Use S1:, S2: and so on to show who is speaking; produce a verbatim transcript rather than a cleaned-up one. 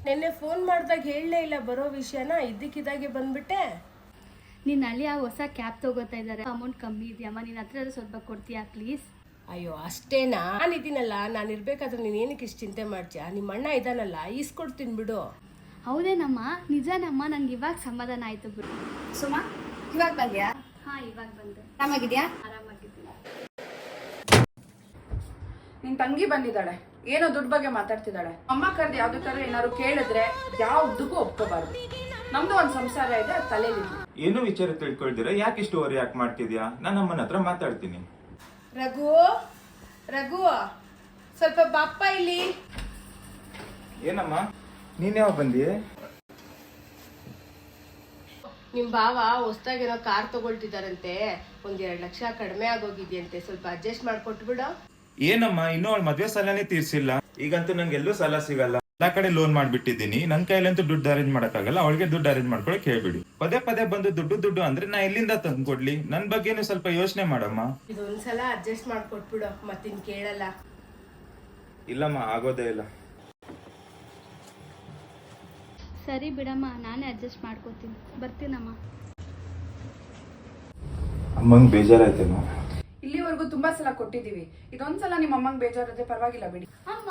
S1: ನೆನ್ನೆ ಫೋನ್ ಮಾಡಿದಾಗ ಹೇಳಲೇ ಇಲ್ಲ ಬರೋ ವಿಷಯನ, ಇದ್ದಕ್ಕಿದ್ದಾಗೆ ಬಂದ್ಬಿಟ್ಟೆ.
S2: ನಿನ್ನ ಅಳಿಯ ಹೊಸ ಕ್ಯಾಬ್ ತಗೋತಾ ಇದ್ದಾರೆ, ಅಮೌಂಟ್ ಕಮ್ಮಿ ಇದೆಯಮ್ಮ, ನಿನ್ನ ಹತ್ರ ಸ್ವಲ್ಪ ಕೊಡ್ತೀಯಾ ಪ್ಲೀಸ್?
S1: ಅಯ್ಯೋ ಅಷ್ಟೇನಾ? ನಾನು ಇದೀನಲ್ಲ, ನಾನು ಇರ್ಬೇಕಾದ್ರೆ ನೀನು ಏನಕ್ಕೆ ಇಷ್ಟು ಚಿಂತೆ ಮಾಡ್ತೀಯಾ? ನಿಮ್ಮ ಅಣ್ಣ ಇದ್ದಾನಲ್ಲ, ಈಸ್ಕೊಡ್ತೀನಿ ಬಿಡು.
S2: ಹೌದೇನಮ್ಮ? ನಿಜನಮ್ಮ, ನಂಗೆ ಇವಾಗ ಸಮಾಧಾನ ಆಯ್ತು ಬಿಡು.
S3: ಸುಮಾ, ಇವಾಗ ಬಂದ್ಯಾ?
S2: ಹಾ, ಇವಾಗ ಬಂದೆ.
S3: ಆರಾಮಾಗಿದ್ಯಾ?
S2: ಆರಾಮಾಗಿದ್ದೀನಿ.
S4: ನಿನ್ ತಂಗಿ ಬಂದಿದ್ದಾಳೆ, ಏನೋ ದುಡ್ಡು ಬಗ್ಗೆ ಮಾತಾಡ್ತಿದ್ದಾಳೆ. ಅಮ್ಮ ಕರ್ದು ಯಾವ್ದಕ್ಕಾರ ಏನಾದ್ರು ಕೇಳಿದ್ರೆ ಯಾವ್ದಕ್ಕೂ ಒಪ್ಕೋಬಾರ್ದು. ನಮ್ದು ಒಂದ್ ಸಂಸಾರ ಇದೆ, ತಲೆಲಿ.
S5: ಏನು ವಿಚಾರ ತಿಳ್ಕೊಳ್ದಿರ ಯಾಕೆ ಇಷ್ಟು ಓವರ್ ಯಾಕೆ ಮಾಡ್ತಿದ್ಯಾ? ನಾನು ಅಮ್ಮನ ಹತ್ರ ಮಾತಾಡ್ತೀನಿ.
S1: ರಘು, ರಘು ಸ್ವಲ್ಪ ಬಾಪ್ಪ ಇಲ್ಲಿ.
S5: ಏನಮ್ಮ, ನೀನ್ ಯಾವ ಬಂದಿ?
S1: ನಿಮ್ ಭಾವ ಹೊಸ್ದಾಗೇನೋ ಕಾರ್ ತಗೊಳ್ತಿದಾರಂತೆ, ಒಂದ್ ಎರಡ್ ಲಕ್ಷ ಕಡಿಮೆ ಆಗೋಗಿದ್ಯಂತೆ, ಸ್ವಲ್ಪ ಅಡ್ಜಸ್ಟ್ ಮಾಡ್ಕೊಟ್ಟು ಬಿಡು.
S5: ಏನಮ್ಮ, ಇನ್ನೂ ಅವಳ ಮದ್ವೆ ಸಾಲನೇ ತೀರ್ಸಿಲ್ಲ. ಈಗಂತೂ ನಂಗೆ ಎಲ್ಲೂ ಸಾಲ ಸಿಗಲ್ಲ, ಎಲ್ಲಾ ಕಡೆ ಲೋನ್ ಮಾಡ್ಬಿಟ್ಟಿದ್ದೀನಿ. ನನ್ ಕೈಲಂತೂ ದುಡ್ಡು ಅರೇಂಜ್ ಮಾಡಕ್ಕಾಗಲ್ಲ, ಅವಳಿಗೆ ದುಡ್ಡು ಅರೇಂಜ್ ಮಾಡ್ಕೊಳಕ್ ಹೇಳ್ಬಿಡಿ. ಪದೇ ಪದೇ ಬಂದು ದುಡ್ಡು ದುಡ್ಡು ಅಂದ್ರೆ ನಾ ಎಲ್ಲಿಂದ ತಂದು ಕೊಡ್ಲಿ? ನನ್ ಬಗ್ಗೆನೂ ಸ್ವಲ್ಪ ಯೋಚನೆ ಮಾಡಮ್ಮ.
S1: ಇದೊಂದ್ಸಲ ಅಡ್ಜಸ್ಟ್ ಮಾಡ್ಕೊಟ್ಬಿಡು, ಮತ್ತಿನ್ ಕೇಳಲ್ಲ.
S5: ಇಲ್ಲಮ್ಮ, ಆಗೋದೇ ಇಲ್ಲ.
S2: ಸರಿ ಬಿಡಮ್ಮ, ನಾನೇ ಅಡ್ಜಸ್ಟ್ ಮಾಡ್ಕೋತೀನಿ. ಬರ್ತೀನಮ್ಮ.
S5: ಅಮ್ಮಂಗ್ ಬೇಜಾರಾಯ್ತೇನೋ?
S4: ಇಲ್ಲಿವರೆಗೂ ತುಂಬಾ ಸಲ ಕೊಟ್ಟಿದೀವಿ, ಇದೊಂದ್ಸಲ ನಿಮ್ಮ ಅಮ್ಮಂಗ್ ಬೇಜಾರದೆ ಪರವಾಗಿಲ್ಲ ಬಿಡಿ.